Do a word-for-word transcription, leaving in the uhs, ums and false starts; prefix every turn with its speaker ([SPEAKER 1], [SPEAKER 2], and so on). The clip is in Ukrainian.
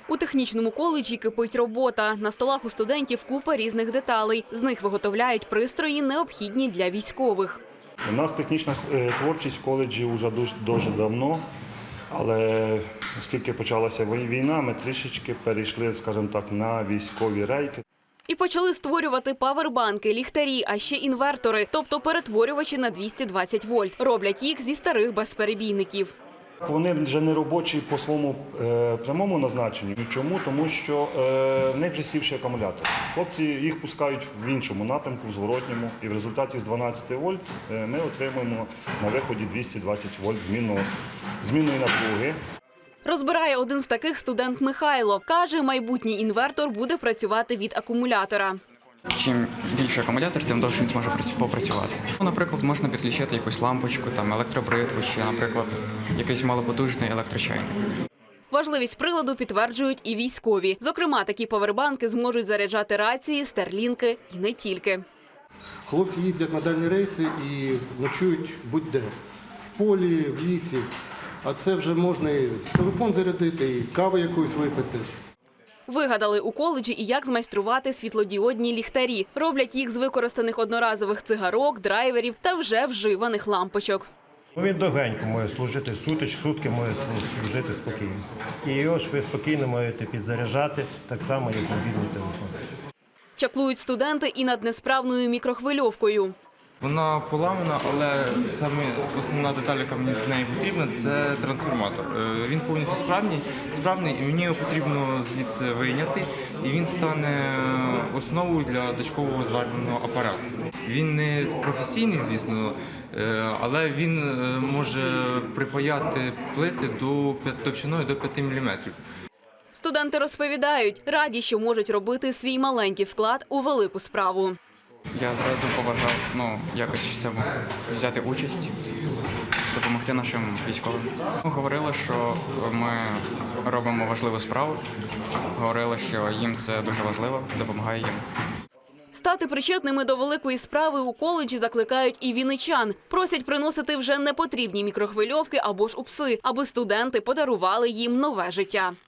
[SPEAKER 1] У технічному коледжі кипить робота. На столах у студентів купа різних деталей. З них виготовляють пристрої, необхідні для військових.
[SPEAKER 2] У нас технічна творчість в коледжі вже дуже, дуже давно, але оскільки почалася війна, ми трішечки перейшли, скажімо так, на військові рейки.
[SPEAKER 1] І почали створювати павербанки, ліхтарі, а ще інвертори, тобто перетворювачі на двісті двадцять вольт. Роблять їх зі старих безперебійників.
[SPEAKER 2] Вони вже не робочі по своєму е, прямому назначенню. Чому? Тому що е, в них вже сівший акумулятор. Хлопці їх пускають в іншому напрямку, в зворотньому. І в результаті з дванадцяти вольт е, ми отримуємо на виході двісті двадцять вольт змінного, змінної напруги.
[SPEAKER 1] Розбирає один з таких студент Михайло. Каже, майбутній інвертор буде працювати від акумулятора.
[SPEAKER 3] Чим більше акумулятор, тим довше він зможе попрацювати. Наприклад, можна підключити якусь лампочку, там електробритву чи, наприклад, якийсь малопотужний електрочайник.
[SPEAKER 1] Важливість приладу підтверджують і військові. Зокрема, такі павербанки зможуть заряджати рації, старлінки і не тільки.
[SPEAKER 4] Хлопці їздять на дальні рейси і ночують будь-де. В полі, в лісі. А це вже можна і телефон зарядити, і каву якусь випити.
[SPEAKER 1] Вигадали у коледжі і як змайструвати світлодіодні ліхтарі. Роблять їх з використаних одноразових цигарок, драйверів та вже вживаних лампочок.
[SPEAKER 5] Він довгенько може служити сутич, сутки може служити спокійно. І його ж ви спокійно можете підзаряджати, так само, як мобільний телефон.
[SPEAKER 1] Чаклують студенти і над несправною мікрохвильовкою.
[SPEAKER 6] Вона поламана, але саме основна деталь, яка мені з неї потрібна, це трансформатор. Він повністю справний, справний, і мені його потрібно звідси вийняти, і він стане основою для дочкового зварювального апарату. Він не професійний, звісно, але він може припаяти плити до товщиною до п'яти міліметрів.
[SPEAKER 1] Студенти розповідають, раді, що можуть робити свій маленький вклад у велику справу.
[SPEAKER 3] Я зразу побажав ну, якось в цьому взяти участь, допомогти нашим військовим. Говорили, що ми робимо важливу справу, говорили, що їм це дуже важливо, допомагає їм.
[SPEAKER 1] Стати причетними до великої справи у коледжі закликають і вінничан. Просять приносити вже непотрібні мікрохвильовки або ж упси, аби студенти подарували їм нове життя.